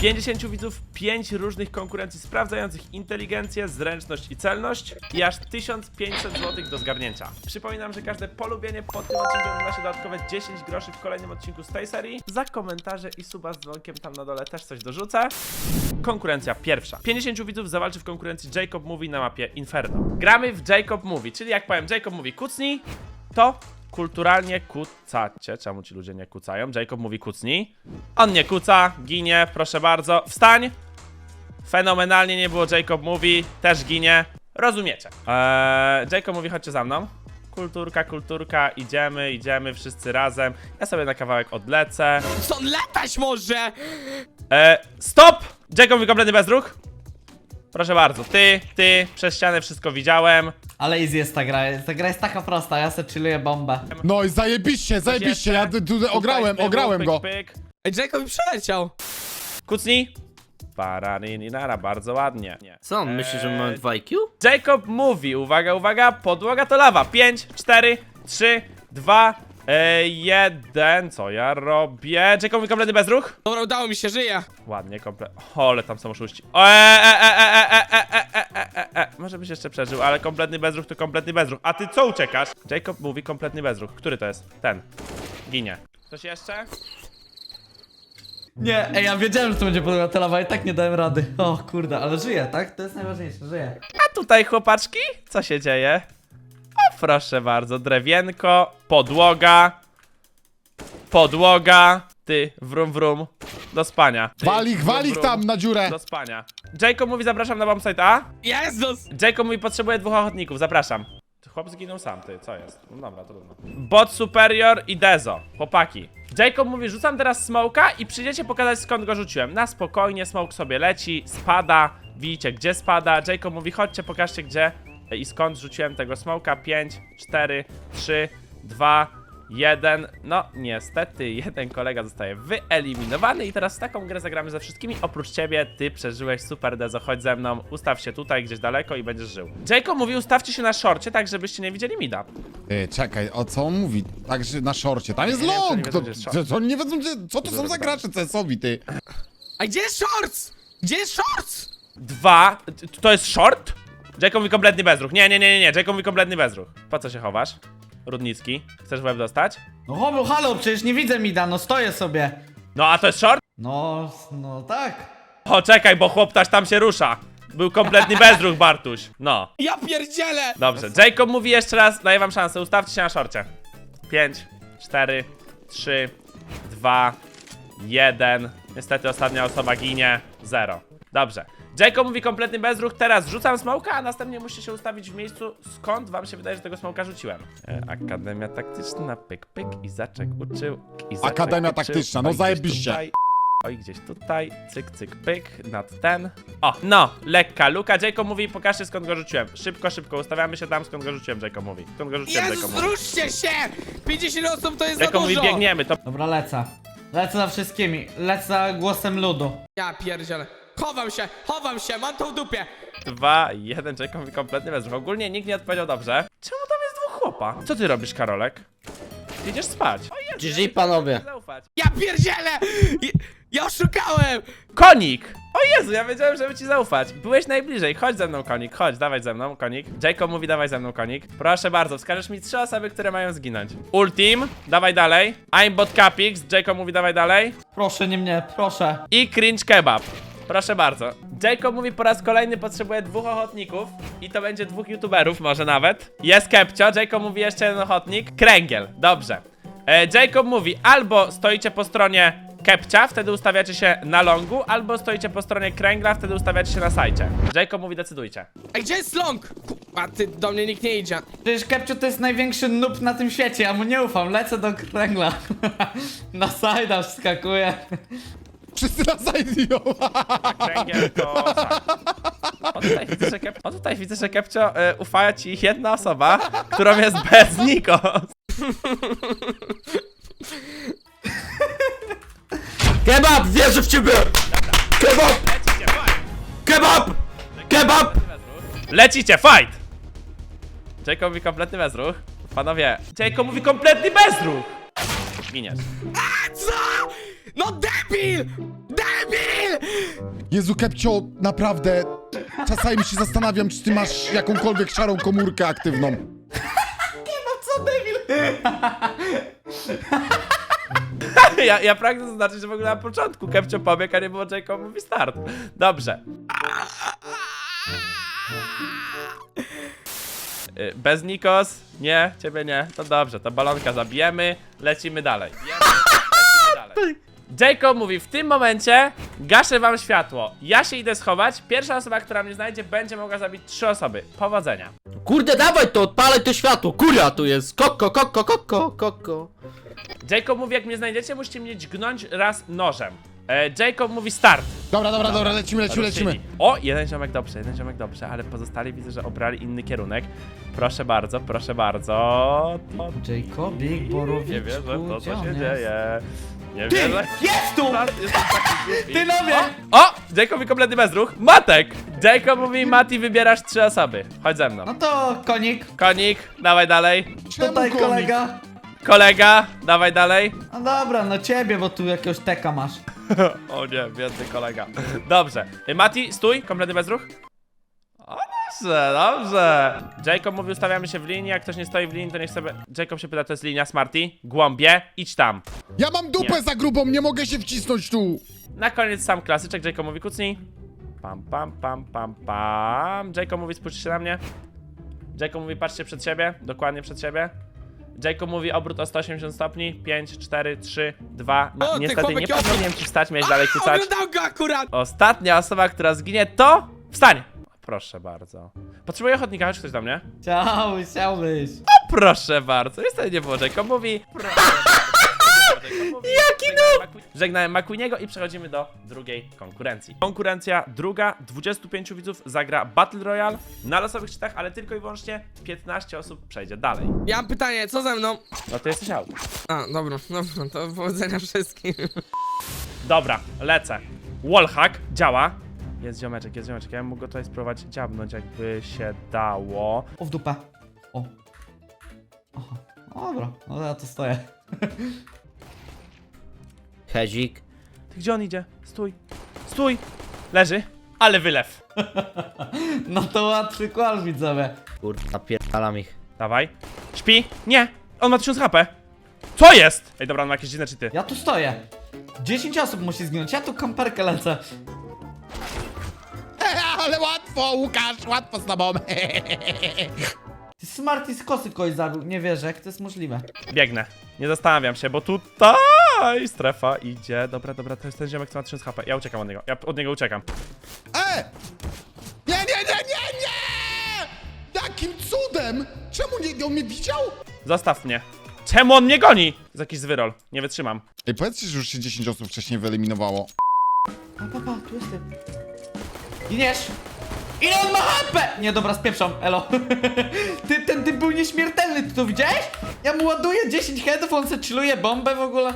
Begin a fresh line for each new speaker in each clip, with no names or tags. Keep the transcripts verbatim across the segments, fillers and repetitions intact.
pięćdziesięciu widzów, pięć różnych konkurencji sprawdzających inteligencję, zręczność i celność i aż tysiąc pięćset złotych do zgarnięcia. Przypominam, że każde polubienie pod tym odcinkiem da się dodatkowe dziesięć groszy w kolejnym odcinku z tej serii. Za komentarze i suba z dzwonkiem tam na dole też coś dorzucę. Konkurencja pierwsza. pięćdziesięciu widzów zawalczy w konkurencji Jacob Movie na mapie Inferno. Gramy w Jacob Movie, czyli jak powiem Jacob Movie kucnij, to kulturalnie kucacie. Czemu ci ludzie nie kucają? Jacob mówi kucnij. On nie kuca, ginie, proszę bardzo. Wstań! Fenomenalnie nie było Jacob mówi, też ginie. Rozumiecie. Eee, Jacob mówi chodźcie za mną. Kulturka, kulturka, idziemy, idziemy wszyscy razem. Ja sobie na kawałek odlecę.
Stąd latać może!
Eee, stop! Jacob mówi kompletny bezruch. Proszę bardzo, ty, ty, przez ścianę wszystko widziałem.
Ale easy jest ta gra, ta gra jest taka prosta, ja se chilluję bombę.
No i zajebiście, zajebiście, ja tu- tu ograłem,
Tutaj
ograłem
pyk,
go.
pyk.
Ej, Jacob mi przeleciał.
Kucnij. Paraninara, bardzo ładnie. Nie.
Co on myśli, że mamy dwa I Q?
Jacob mówi, uwaga, uwaga, podłoga to lawa. pięć, cztery, trzy, dwa, jeden. Co ja robię? Jacob mówi kompletny bezruch.
Dobra, udało mi się, żyję.
Ładnie, komplet. O, ale tam są oszuści. O, e, e, e, e, e, e, e, e, e, e. Może byś jeszcze przeżył, ale kompletny bezruch to kompletny bezruch. A ty co uciekasz? Jacob mówi kompletny bezruch. Który to jest? Ten. Ginie. Ktoś jeszcze?
Nie, ej, ja wiedziałem, że to będzie podłoga ta lawa i tak nie dałem rady. O kurde, ale żyję, tak? To jest najważniejsze, żyję.
A tutaj, chłopaczki, co się dzieje? O, proszę bardzo, drewienko, podłoga, podłoga, ty, wrum wrum, do spania. Ty,
Wal ich,
wrum,
wal ich
wrum,
tam na dziurę.
do spania. Jacob mówi, zapraszam na bombsite A.
Jezus!
Jacob mówi, potrzebuje dwóch ochotników, zapraszam. Chłop zginął sam, ty, co jest? No dobra, trudno. Bot Superior i Dezo, chłopaki. Jacob mówi, rzucam teraz smoka i przyjdziecie pokazać, skąd go rzuciłem. Na spokojnie, smoke sobie leci, spada, widzicie gdzie spada. Jacob mówi, chodźcie, pokażcie gdzie i skąd rzuciłem tego smoka. pięć, cztery, trzy, dwa, jeden. No niestety jeden kolega zostaje wyeliminowany i teraz w taką grę zagramy ze wszystkimi. Oprócz ciebie, ty przeżyłeś, super Dezo, chodź ze mną, ustaw się tutaj gdzieś daleko i będziesz żył. Jacob mówi, ustawcie się na szorcie, tak żebyście nie widzieli mida.
Ty, czekaj, o co on mówi? Także na szorcie, tam jest
Nie wiem, co
long!
nie wiedzą,
To,
gdzie jest
to,
short.
to oni nie wiedzą, gdzie, co to są za gracze C S-owi, ty?
A gdzie jest shorts? Gdzie jest shorts?
Dwa, t- to jest short? Jacob mówi kompletny bezruch. Nie, nie, nie, nie, nie, Jacob mówi kompletny bezruch. Po co się chowasz? Rudnicki, chcesz w łeb dostać?
No halo, halo, przecież nie widzę mida, no stoję sobie.
No a to jest short?
No, no tak.
O, czekaj, bo chłoptaś tam się rusza. Był kompletny bezruch, Bartuś. No,
Ja pierdzielę!
dobrze. Jacob mówi jeszcze raz, daję wam szansę, ustawcie się na szorcie. pięć, cztery, trzy, dwa, jeden. Niestety ostatnia osoba ginie. zero. Dobrze. Jacob mówi kompletny bezruch, teraz rzucam smoka, a następnie musicie się ustawić w miejscu, skąd wam się wydaje, że tego smoka rzuciłem. E, Akademia taktyczna, pyk, pyk, Izaczek uczył, Izaczek
Akademia
uczył.
taktyczna, no
Oj, gdzieś
zajebiście.
tutaj, Oj, gdzieś tutaj, cyk, cyk, pyk, nad ten. O, no, lekka luka. Jacob mówi, pokażcie skąd go rzuciłem. Szybko, szybko, ustawiamy się tam, skąd go rzuciłem, Jacob mówi. Skąd go rzuciłem, Jacob
Jezus,
mówi.
ruszcie się! pięćdziesiąt osób to jest za
Jacob mówi,
dużo!
biegniemy, to
Dobra, lecę. Lecę za wszystkimi, lecę za głosem ludu.
Ja pierdzielę. Chowam się, chowam się, mam to w dupie.
dwa, jeden, Jacob mówi kompletny bezruch. Ogólnie nikt nie odpowiedział dobrze. Czemu tam jest dwóch chłopa? Co ty robisz, Karolek? Ty idziesz spać. O Jezu,
G
ja
G
się
panowie.
nie zaufać.
Ja pierdzielę! Ja, ja oszukałem!
Konik! O Jezu, ja wiedziałem, żeby ci zaufać. Byłeś najbliżej. Chodź ze mną, konik. Chodź, dawaj ze mną, konik. Jacob mówi, dawaj ze mną, konik. Proszę bardzo, wskażesz mi trzy osoby, które mają zginąć. Ultim, dawaj dalej. I'm bot Capix, Jacob mówi, dawaj dalej.
Proszę, nie mnie, proszę.
I cringe kebab. Proszę bardzo. Jacob mówi, po raz kolejny potrzebuje dwóch ochotników. I to będzie dwóch youtuberów, może nawet. Jest Kepcio, Jacob mówi jeszcze jeden ochotnik. Kręgiel, dobrze. E, Jacob mówi, albo stoicie po stronie Kepcia, wtedy ustawiacie się na longu, albo stoicie po stronie Kręgla, wtedy ustawiacie się na sajcie. Jacob mówi, decydujcie.
Ej, gdzie jest long? A ty, do mnie nikt nie idzie.
Przecież Kepcio to jest największy noob na tym świecie, ja mu nie ufam, lecę do kręgla. Na sajda wskakuję.
Wszyscy na side ją.
Kręgiel to sajt. O tutaj widzę, że, Kep... o, tutaj widzę, że Kepcio y, ufa ci jedna osoba, którą jest bez Nikos.
Kebab! Wierzę w ciebie! Kebab!
Lecicie, fight!
Kebab! Kebab!
Lecicie, fight! Jacob mówi kompletny bezruch. Panowie, Jacob mówi kompletny bezruch! Giniesz.
A co? No debil! Debil!
Jezu, Kepcio, naprawdę. Czasami się zastanawiam, czy ty masz jakąkolwiek szarą komórkę aktywną.
Co debil?
Ja, ja pragnę zaznaczyć, że w ogóle na początku Kepcio pobiegł, a nie było Jacob mówi start. Dobrze. Y, Bez Nikos? Nie, ciebie nie. To dobrze, to balonka zabijemy, lecimy dalej. Bijemy, lecimy dalej. Jacob mówi, w tym momencie gaszę wam światło. Ja się idę schować. Pierwsza osoba, która mnie znajdzie, będzie mogła zabić trzy osoby. Powodzenia.
Kurde, dawaj to, odpalaj to światło. Kuria tu jest. Koko, koko, koko, koko.
Jacob mówi, jak mnie znajdziecie, musicie mnie dźgnąć raz nożem. E, Jacob mówi start.
Dobra, dobra, dobra, lecimy, lecimy, lecimy.
Ruszyli. O, jeden ziomek dobrze, jeden ziomek dobrze, ale pozostali widzę, że obrali inny kierunek. Proszę bardzo, proszę bardzo. To...
Jacobik, Borowiczku,
Nie wierzę w to,
gdzie
co
on
się
jest?
dzieje. Nie
Ty,
wierzę.
jest tu!
Start, jestem taki głupi.
Ty nowie!
O, o, Jacob i kompletny bezruch. Matek! Jacob mówi, Mati, wybierasz trzy osoby. Chodź ze mną.
No to konik,
Konik, dawaj dalej.
Czemu
tutaj
komik?
kolega.
Kolega, dawaj dalej.
No dobra, no ciebie, bo tu jakiegoś teka masz.
O nie, biedny kolega. Dobrze. Y, Mati, stój, kompletny bezruch. O, dobrze, dobrze. Jacob mówi, ustawiamy się w linii, jak ktoś nie stoi w linii, to niech sobie... Jacob się pyta, to jest linia Smarty. Głąbie, idź tam.
Ja mam dupę
Nie.
za grubą, nie mogę się wcisnąć tu.
Na koniec sam klasyczek, Jacob mówi, kucnij. Pam, pam, pam, pam, pam. Jacob mówi, spójrzcie na mnie. Jacob mówi, patrzcie przed siebie, dokładnie przed siebie. Jacob mówi, obrót o sto osiemdziesiąt stopni. pięć, cztery, trzy, dwa. No,
O, ty
niestety nie
chłopak,
pozwoliłem ci wstać, miałeś dalej kucać.
Oglądał go akurat!
Ostatnia osoba, która zginie, to... Wstań! Proszę bardzo. Potrzebuję ochotnika, chodź ktoś do mnie.
Chciałbyś, chciałbyś.
O, proszę bardzo. Niestety nie było. Jacob mówi... Proszę bardzo. Jaki no! Żegnałem McQueeniego i przechodzimy do drugiej konkurencji. Konkurencja druga, dwudziestu pięciu widzów zagra Battle Royale na losowych czytach, ale tylko i wyłącznie piętnaście osób przejdzie dalej.
Ja mam pytanie, co ze mną?
No to jesteś out.
A, dobra, dobra, to powodzenia wszystkim.
Dobra, lecę. Wallhack działa. Jest ziomeczek, jest ziomeczek. Ja bym mógł go tutaj spróbować dziabnąć, jakby się dało.
O, w dupę. O. Aha. Dobra, no ja to stoję.
Hezik.
Ty, gdzie on idzie? Stój. Stój. Leży. Ale wylew.
No to łatwy kłal, widzowie.
Kurwa, napierdalam ich.
Dawaj. Śpi. Nie. On ma tysiąc H P. Co jest? Ej, dobra, on ma jakieś dziwne cheaty.
Ja tu stoję. dziesięć osób musi zginąć, ja tu kamperkę lecę.
Ale łatwo, Łukasz, łatwo z tobą.
Ty Smarty z kosy kogoś zabił, nie wierzę, jak to jest możliwe.
Biegnę. Nie zastanawiam się, bo tutaj strefa idzie. Dobra, dobra, to jest ten ziomek, co ma tysiąc H P. Ja uciekam od niego. Ja od niego uciekam.
E! Nie, nie, nie, nie, nie! Jakim cudem? Czemu nie, on mnie widział?
Zostaw mnie. Czemu on mnie goni? To jest jakiś zwyrol. Nie wytrzymam.
Ej, powiedzcie, że już się dziesięć osób wcześniej wyeliminowało.
Pa, pa, pa, tu jestem. Giniesz! Ile on ma H P? Nie, dobra, spieprzam, elo. Ty, ten typ był nieśmiertelny, ty to widziałeś? Ja mu ładuję dziesięć headów, on se chilluje bombę w ogóle.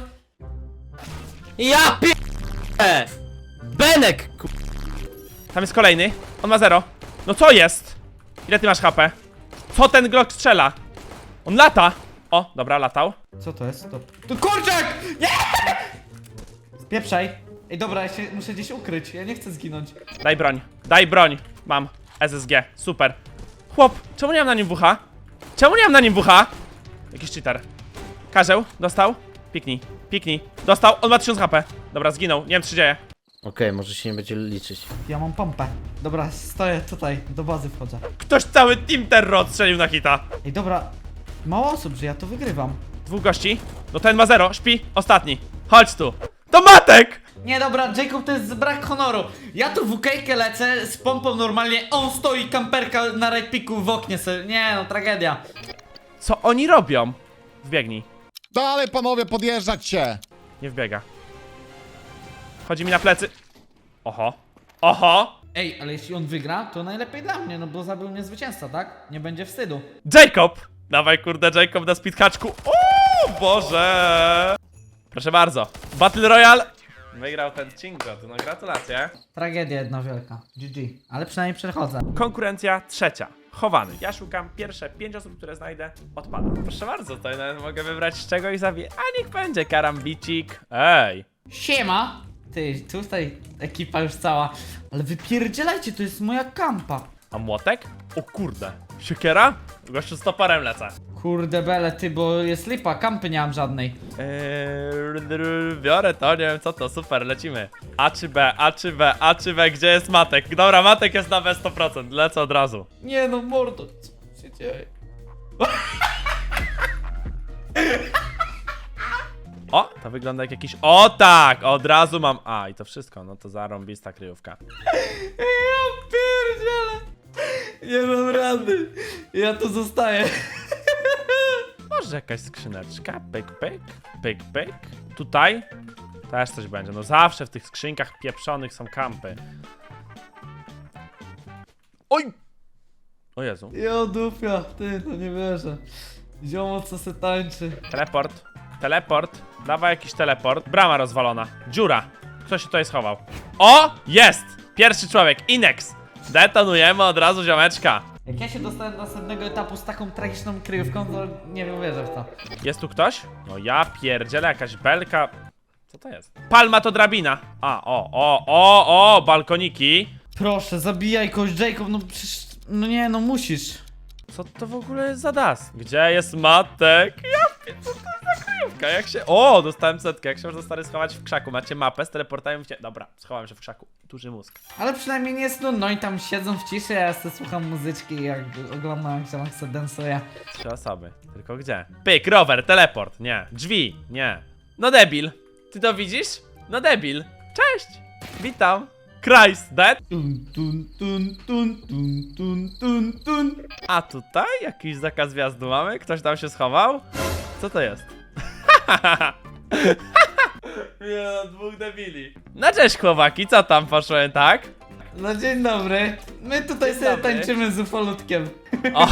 Ja pier... Benek! ku-
Tam jest kolejny. On ma zero. No co jest? Ile ty masz H P? Co ten Glock strzela? On lata. O, dobra, latał.
Co to jest? Stop. To kurczak! Nie! Spieprzaj. Ej, dobra, ja się muszę gdzieś ukryć, ja nie chcę zginąć.
Daj broń. Daj broń. Mam. S S G. Super. Chłop, czemu nie mam na nim W H? Czemu nie mam na nim W H? Jakiś cheater. Karzeł, dostał. Piknij. Piknij. Dostał. On ma tysiąc H P. Dobra, zginął. Nie wiem, co się dzieje.
Okej, może się nie będzie liczyć.
Ja mam pompę. Dobra, stoję tutaj, do bazy wchodzę.
Ktoś cały Team Terror odstrzelił na hita.
Ej, dobra, mało osób, że ja to wygrywam.
Dwóch gości. No ten ma zero. Śpi. Ostatni. Chodź tu. To Matek!
Nie, dobra, Jacob to jest brak honoru. Ja tu w ukejkę lecę z pompą normalnie, on stoi, kamperka na right picku w oknie sobie. Nie no, tragedia.
Co oni robią? Wbiegnij.
Dalej, panowie, podjeżdżać się.
Nie wbiega. Chodzi mi na plecy. Oho. Oho.
Ej, ale jeśli on wygra, to najlepiej dla mnie, no bo zabił mnie zwycięzca, tak? Nie będzie wstydu.
Jacob! Dawaj, kurde, Jacob na speedhaczku. O Boże! Proszę bardzo. Battle Royale. Wygrał ten Cingot. No gratulacje.
Tragedia jedna wielka. G G. Ale przynajmniej przechodzę.
Konkurencja trzecia. Chowany. Ja szukam pierwsze pięć osób, które znajdę. Odpada. Proszę bardzo, tutaj nawet mogę wybrać z czego i zabiję. A niech będzie karambicik. Ej.
Siema! Ty, tutaj ekipa już cała. Ale wypierdzielajcie, to jest moja kampa.
A młotek? O kurde. Siekiera? Gościu z toporem lecę.
Kurde bele, ty, bo jest lipa, kampy nie mam żadnej.
Eee, biorę to, nie wiem co to, super, lecimy. A czy B, A czy B, A czy B, gdzie jest Matek? Dobra, Matek jest na B sto procent, lecę od razu.
Nie no, mordo, co się dzieje?
O, to wygląda jak jakiś... O tak, od razu mam... A, i to wszystko, no to zarąbista kryjówka.
Ja pierdzielę. Nie mam rady. Ja tu zostaję.
Może jakaś skrzyneczka, pyk, pyk, pyk, pyk. Tutaj też coś będzie, no zawsze w tych skrzynkach pieprzonych są kampy. Oj! O Jezu.
Jo dupia, ty, to nie wierzę. Ziomo co se tańczy.
Teleport, teleport, dawaj jakiś teleport. Brama rozwalona, dziura. Kto się tutaj schował? O! Jest! Pierwszy człowiek, Inex. Detonujemy od razu ziomeczka.
Jak ja się dostałem do następnego etapu z taką tragiczną kryjówką, to nie wiem, wierzę w to.
Jest tu ktoś? No ja pierdzielę, jakaś belka. Co to jest? Palma to drabina. A, o, o, o, o, balkoniki.
Proszę, zabijaj kogoś, Jacob, no przecież... No nie, no musisz.
Co to w ogóle jest za das? Gdzie jest Matek? Ja pier- co to jest za kryjówka? Jak się... O, dostałem setkę. Jak się można stary schować w krzaku? Macie mapę z teleportem? Się... Dobra, schowałem się w krzaku. Duży mózg.
Ale przynajmniej nie jest nudno i tam siedzą w ciszy, ja sobie słucham muzyczki, jak oglądam, jak się Max dansuje.
Trzy osoby. Tylko gdzie? Pyk, rower, teleport. Nie. Drzwi. Nie. No debil. Ty to widzisz? No debil. Cześć. Witam. Christ, dead.
Tun, tun, tun, tun, tun, tun, tun, tun.
A tutaj jakiś zakaz wjazdu mamy? Ktoś tam się schował? Co to jest? Nie no, dwóch debili. No cześć chłopaki, co tam poszłem, tak?
No dzień dobry. My tutaj sobie
dobry.
tańczymy z ufolutkiem.
O.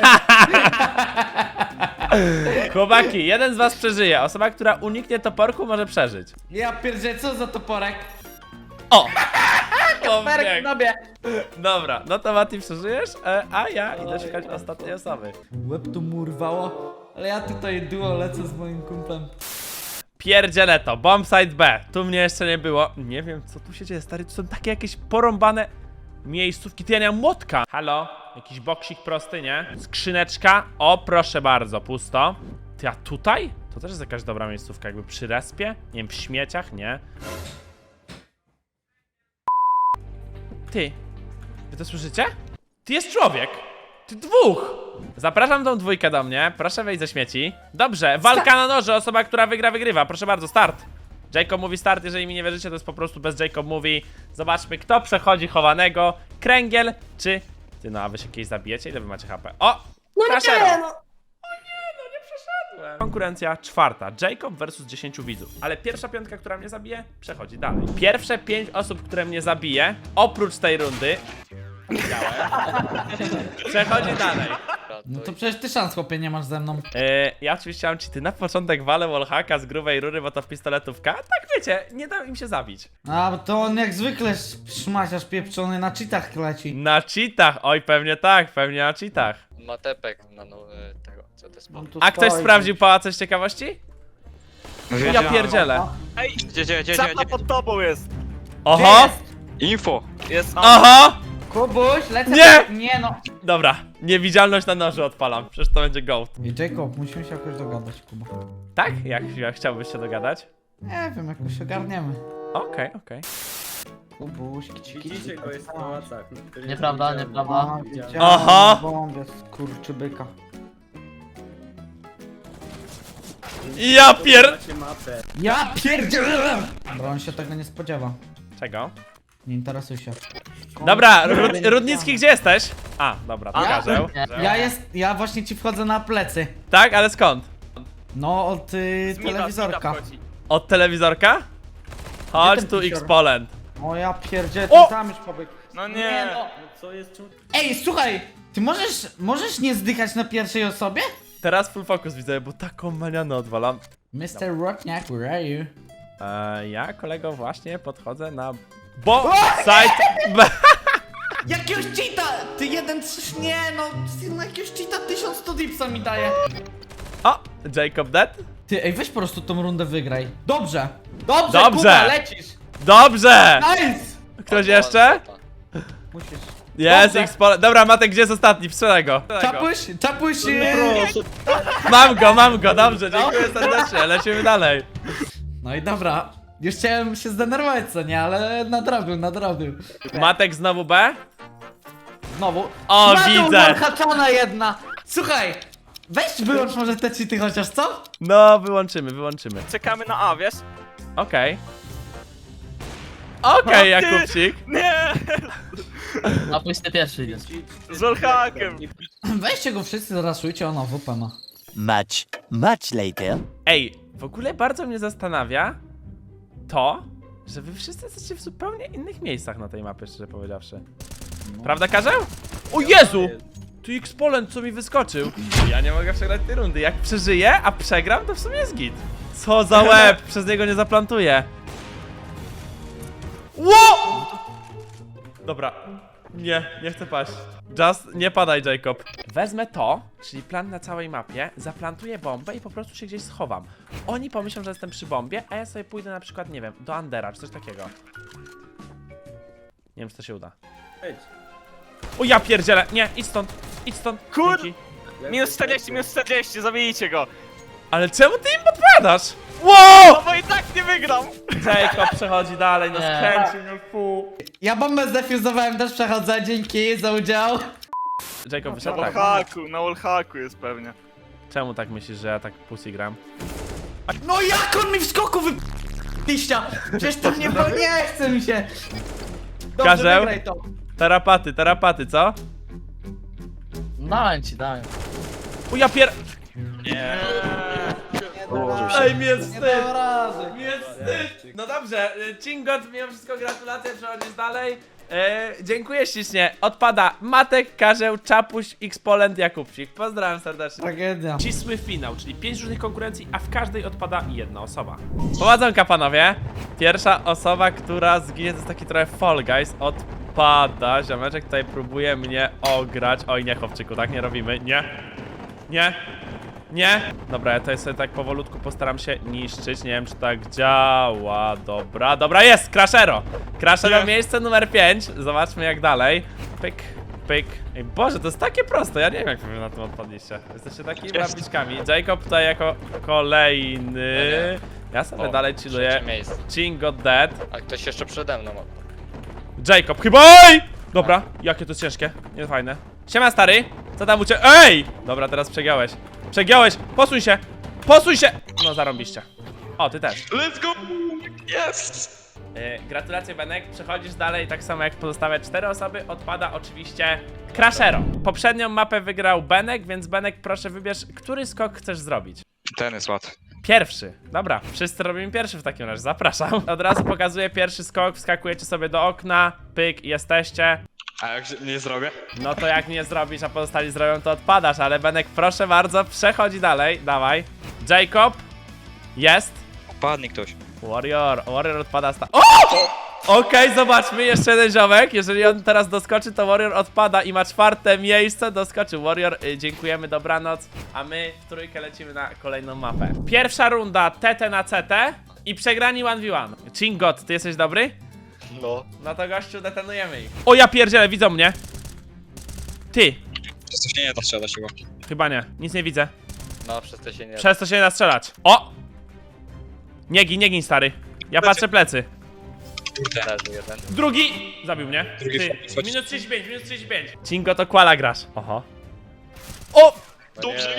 Chłopaki, jeden z was przeżyje. Osoba, która uniknie toporku, może przeżyć.
Ja pierdzielę, co za toporek?
O!
Toporek
Obieg.
w nobie.
Dobra, no to Mati przeżyjesz, e, a ja idę szukać ostatniej osoby.
Łeb tu mu urwało, ale ja tutaj duo lecę z moim kumplem.
Pierdzielę to, bombsite B, tu mnie jeszcze nie było. Nie wiem co tu się dzieje, stary, tu są takie jakieś porąbane miejscówki. Ty, ja nie mam młotka. Halo? Jakiś boksik prosty, nie? Skrzyneczka, o proszę bardzo, pusto. Ty, a tutaj? To też jest jakaś dobra miejscówka, jakby przy respie? Nie wiem, w śmieciach? Nie. Ty, wy to słyszycie? Ty, jest człowiek! Ty, dwóch! Zapraszam tą dwójkę do mnie, proszę wejść ze śmieci. Dobrze, walka na noże, osoba, która wygra, wygrywa. Proszę bardzo, start. Jacob mówi start, jeżeli mi nie wierzycie, to jest po prostu bez Jacob mówi. Zobaczmy, kto przechodzi chowanego. Kręgiel, czy... Ty, no a wy się kiedyś zabijecie? Ile wy macie H P? O!
No
Crashero.
nie, no.
Konkurencja czwarta. Jacob versus dziesięciu widzów. Ale pierwsza piątka, która mnie zabije, przechodzi dalej. Pierwsze pięć osób, które mnie zabije, oprócz tej rundy, widziałem, przechodzi dalej.
No to przecież ty szans, chłopie, nie masz ze mną.
Yy, ja oczywiście mam cheaty. Na początek walę wallhacka z grubej rury, bo to w pistoletówka. Tak wiecie, nie dam im się zabić.
A, bo to on jak zwykle szmaciarz pieprzony na cheatach leci.
Na cheatach, oj pewnie tak, pewnie na cheatach.
Matepek na no, e, tego, co to jest
On tu
A ktoś
stoi.
sprawdził pałace z ciekawości? Ja pierdzielę.
Gdzie, gdzie, gdzie,
Czapka pod tobą jest!
Oho!
Info!
Jest
Oho!
Kubuś, lecę.
Nie!
Nie no.
Dobra, niewidzialność na noży odpalam, przecież to będzie gołd.
I Jacob, musimy się jakoś dogadać, Kuba.
Tak? Jak, jak chciałbyś się dogadać?
Nie wiem, jakoś ogarniemy.
Okej, okej.
Kubuś, kici, kici.
Widzicie go jest w pałacach.
Nieprawda, nieprawda.
Aha!
Bombie, skurczybyka.
Ja pier...
Macie mapę.
Ja pierdzielę! Dobra, on się tego nie spodziewa.
Czego?
Nie interesuj się.
Dobra, Rud Rudnicki, gdzie jesteś? A, dobra, pokażę.
Ja jest, ja właśnie ci wchodzę na plecy.
Tak, ale skąd?
No, od y, telewizorka.
Od telewizorka? Chodź
ten
tu
pisior?
X-Polent.
O ja pierdzielę,
O!
ty tam już pobiegł.
No nie!
Nie, no.
Co jest czemu...
Ej, słuchaj! Ty możesz, możesz nie zdychać na pierwszej osobie?
Teraz full focus widzę, bo taką manianę odwalam.
mister Rockniak, where are you?
Eee, ja, kolego, właśnie podchodzę na... Bo... Side... B...
Jakiegoś cheata! Ty jeden, trz- nie no, ty na jakiegoś cheata tysiąc sto dipsa mi daje.
O! Jacob dead?
Ty, ej, weź po prostu tą rundę wygraj. Dobrze! Dobrze,
Dobrze.
Kuba, lecisz!
Dobrze!
Nice!
Ktoś jeszcze?
Musisz.
Jest,
Dobrze.
X pole. Dobra, Matek, gdzie jest ostatni? Sprzedaj go. Sprzedaj go.
Czapuś, czapuś, e,
Proszę.
Mam go, mam go, dobrze, dziękuję serdecznie, lecimy dalej.
No i dobra. Już chciałem się zdenerwować, co nie, ale nadrobił, nadrobił.
Matek znowu B?
Znowu.
O,
Na dół,
widzę.
haczona jedna. Słuchaj, weź wyłącz może te cheaty chociaż, co?
No, wyłączymy, wyłączymy.
Czekamy na A, wiesz?
Okej. Okej,
O, ty!
Jakubcik.
Nie!
A pójść ty pierwszy idziesz.
Z wallhackiem.
Weźcie go wszyscy, zaraszujcie, ona W P ma.
Much, much later.
Ej, w ogóle bardzo mnie zastanawia to, że wy wszyscy jesteście w zupełnie innych miejscach na tej mapie, szczerze powiedziawszy. Prawda, Karzeł? O Jezu! Tu X-Polent, co mi wyskoczył. Ja nie mogę przegrać tej rundy. Jak przeżyję, a przegram, to w sumie jest git. Co za łeb, przez niego nie zaplantuję. Ło! Dobra. Nie, nie chcę paść. Just nie padaj, Jacob. Wezmę to, czyli plan na całej mapie, zaplantuję bombę i po prostu się gdzieś schowam. Oni pomyślą, że jestem przy bombie, a ja sobie pójdę na przykład, nie wiem, do Undera czy coś takiego. Nie wiem, czy to się uda. O ja pierdzielę! Nie, idź stąd, idź stąd.
Kur-
Dzięki.
Minus czterdzieści, minus czterdzieści, zabijcie go.
Ale czemu ty im podpowiadasz? Wow!
No bo i tak nie wygram.
Jacob przechodzi dalej, no
Nie.
skręcił, no fu.
Ja bombę zdefuzowałem, też przechodzę, dzięki za udział.
Jacob
Na
wyszedł tak.
wallhacku, na wallhacku jest pewnie.
Czemu tak myślisz, że ja tak pussy gram?
No jak on mi w skoku wy... liścia! Przecież to nie, bo nie chce mi się. Dobrze,
Karzeł?
wygraj to.
Tarapaty, tarapaty, co?
Dałem ci, dałem.
O ja pier...
Nie
Ej, mi jest
Nie
wstyd!
dam rady.
Mi jest wstyd! No dobrze, y, Cingot, mimo wszystko gratulacje, przechodzisz dalej. E, dziękuję ślicznie. Odpada Matek, Karzeł, Czapuś, X-Polent, Jakubcik. Pozdrawiam serdecznie.
Tragedia.
Ścisły finał, czyli pięć różnych konkurencji, a w każdej odpada jedna osoba. Powodzonka, panowie. Pierwsza osoba, która zginie, to jest taki trochę Fall Guys, odpada. Ziomeczek tutaj próbuje mnie ograć. Oj, nie, chłopczyku, tak nie robimy. Nie. Nie. Nie. Dobra, ja tutaj sobie tak powolutku postaram się niszczyć. Nie wiem, czy tak działa. Dobra, dobra, jest! Crashero! Crashero, miejsce numer pięć. Zobaczmy, jak dalej. Pyk, pyk. Ej, Boże, to jest takie proste. Ja nie wiem, jak wy na tym odpadliście. Jesteście takimi babiczkami. Jacob tutaj jako kolejny. Ja sobie
O,
dalej
trzecie
chilluję.
miejsce.
Chingo dead.
A ktoś jeszcze przede mną.
Jacob, chyba. Ej! Dobra, jakie to jest ciężkie. Nie fajne. Siema, stary. Co tam u ciebie? Ej! Dobra, teraz przegiąłeś. Przegiąłeś! Posuń się! Posuń się! No, zarąbiście. O, ty też.
Let's go! Yes!
Yy, gratulacje, Benek. Przechodzisz dalej, tak samo jak pozostałe cztery osoby. Odpada oczywiście Crashero. Poprzednią mapę wygrał Benek, więc Benek, proszę wybierz, który skok chcesz zrobić.
Ten jest łatwy.
Pierwszy. Dobra, wszyscy robimy pierwszy w takim razie. Zapraszam. Od razu pokazuję pierwszy skok. Wskakujecie sobie do okna. Pyk, jesteście.
A jak nie zrobię?
No to jak nie zrobisz, a pozostali zrobią, to odpadasz. Ale Benek, proszę bardzo, przechodzi dalej. Dawaj. Jacob. Jest.
Padnie ktoś.
Warrior. Warrior odpada sta... O! Okej, zobaczmy. Jeszcze jeden ziomek. Jeżeli on teraz doskoczy, to Warrior odpada i ma czwarte miejsce. Doskoczył Warrior. Y, dziękujemy, dobranoc. A my w trójkę lecimy na kolejną mapę. Pierwsza runda T T na C T i przegrani jeden v jeden. Chingot, ty jesteś dobry?
No.
No to gościu, detonujemy ich. O, ja pierdzielę, widzą mnie. Ty.
Przez to się nie da strzelać chyba.
Chyba nie, nic nie widzę.
No, przez to się nie da.
Przez to się nie da strzelać. O! Nie gin, nie gin, stary. Ja patrzę plecy.
Leży jeden.
Drugi! Zabił mnie.
Drugi
Ty.
wchodzi.
Minus trzydzieści pięć, minus trzydzieści pięć. Cingo to kwala grasz. Oho. O!
Dobrze.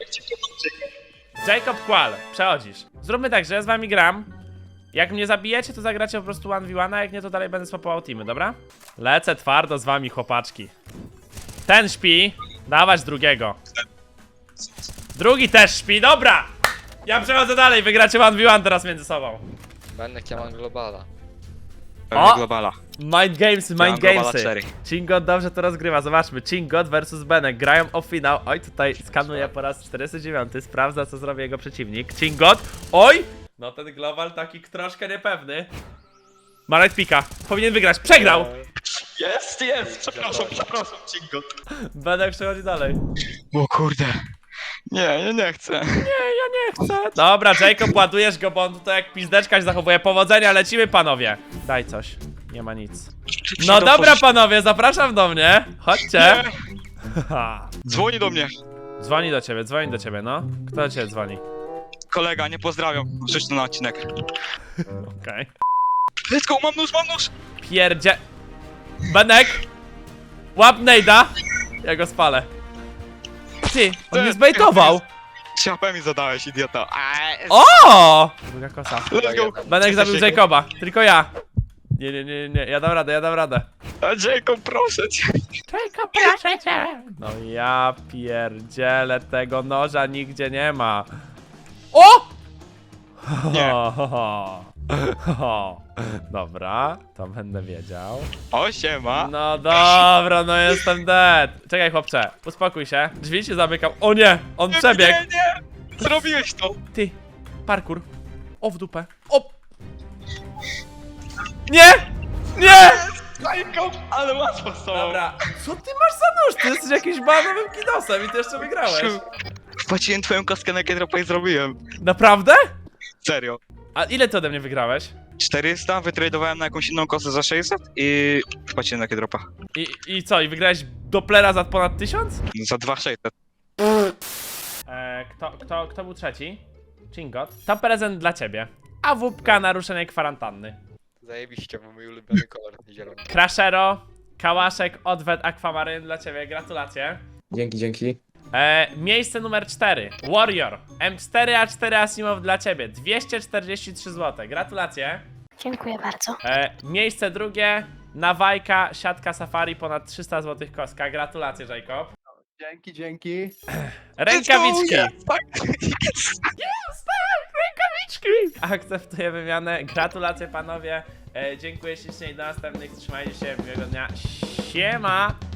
Jacob Qual, przechodzisz. Zróbmy tak, że ja z wami gram. Jak mnie zabijecie, to zagracie po prostu jeden v jeden, a jak nie, to dalej będę swapował teamy, dobra? Lecę twardo z wami, chłopaczki. Ten śpi. Dawać drugiego. Drugi też śpi, dobra! Ja przechodzę dalej, wygracie jeden v jeden teraz między sobą.
Benek, ja mam globala.
O!
globala.
Mind Gamesy,
mam
Mind
Globala
Gamesy.
cztery.
Chingot dobrze to rozgrywa, zobaczmy. Chingot versus Benek, grają o finał. Oj, tutaj skanuje po raz czterdziesty dziewiąty, sprawdza, co zrobi jego przeciwnik. Chingot, oj! No ten global taki troszkę niepewny. Marek Pika, powinien wygrać, przegrał!
Jest, jest! Przepraszam, przepraszam, Cingo.
Benek przechodzi dalej.
O kurde.
Nie, ja nie chcę.
Dobra, Jacob, ładujesz go, bo on tutaj jak pizdeczka się zachowuje. Powodzenia, lecimy, panowie. Daj coś. Nie ma nic. No dobra, panowie, zapraszam do mnie. Chodźcie.
Dzwoni do mnie.
Dzwoni do ciebie, dzwoni do ciebie, no. Kto do ciebie dzwoni?
Kolega, nie pozdrawiam. Rzuć to na odcinek.
Okej.
Let's go, mam nóż, mam nóż!
Pierdzie... Benek! Łap Nejda! Ja go spalę. Ty, on mnie zbejtował!
Ciapę mi zadałeś, idiota.
O! Druga kosa.
Let's go.
Benek zabił Jacoba, tylko ja. Nie, nie, nie, nie, ja dam radę, ja dam radę.
A Jacob, proszę cię.
Jacob, proszę cię! No ja pierdzielę, tego noża nigdzie nie ma. O!
Nie.
Dobra, to będę wiedział.
O, siema.
No dobra, no jestem dead. Czekaj, chłopcze, uspokój się. Drzwi się zamykam. O nie, on przebiegł.
Nie, nie! Zrobiłeś to!
Ty, parkour. O, w dupę. O! Nie! Nie!
Jacob, ale łatwo z tobą.
Dobra, co ty masz za nóż? Ty jesteś jakimś banowym kidosem i ty jeszcze wygrałeś.
Wpłaciłem twoją kostkę na Kedropa i zrobiłem.
Naprawdę?
Serio.
A ile ty ode mnie wygrałeś?
czterysta, wytradowałem na jakąś inną kostę za sześćset i wpłaciłem na Kedropa.
I, I co, i wygrałeś Dopplera za ponad tysiąc?
Za dwa sześćset.
Eee, kto, kto, kto był trzeci? Chingot. To prezent dla ciebie. A wupka naruszenie kwarantanny.
Zajebiście, bo mój ulubiony kolor zielony.
Crashero, Kałaszek, Odwet, Aquamaryn dla ciebie, gratulacje.
Dzięki, dzięki.
E, miejsce numer cztery. Warrior. M cztery A cztery Asimov dla ciebie. dwieście czterdzieści trzy złote. Gratulacje.
Dziękuję bardzo.
E, miejsce drugie. Nawajka, siatka safari, ponad trzysta złotych kostka. Gratulacje, Jacob.
Dzięki, dzięki.
Rękawiczki.
Let's go,
Jest, tak, rękawiczki. Akceptuję wymianę. Gratulacje, panowie. E, dziękuję ślicznie i do następnych. Trzymajcie się. Miłego dnia. Siema.